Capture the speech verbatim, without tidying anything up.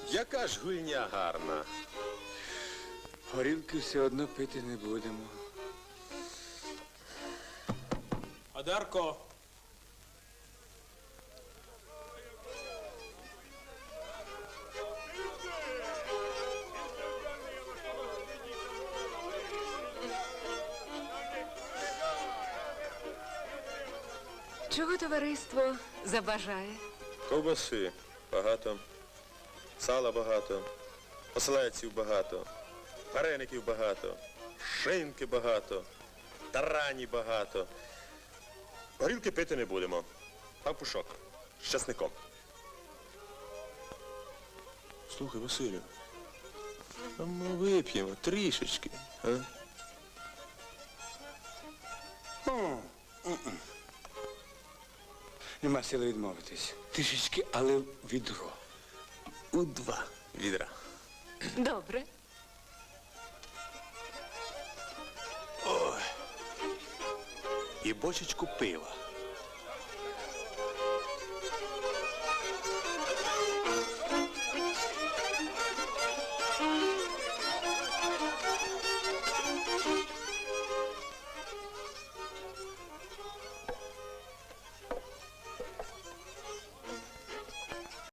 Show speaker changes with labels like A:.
A: Яка ж гульня гарна.
B: Горілки все одно пити не будемо.
C: Одарко.
D: Чого товариство забажає?
A: Ковбаси багато, сала багато, ослеців багато, вареників багато, шинки багато, тарані багато. Горілки пити не будемо. Пампушок з часником. Слухай, Василю, а ми вип'ємо трішечки, а?
B: Нема сили відмовитись. Трішечки, але відро.
A: У два відра.
D: Добре.
A: І бочечку пива.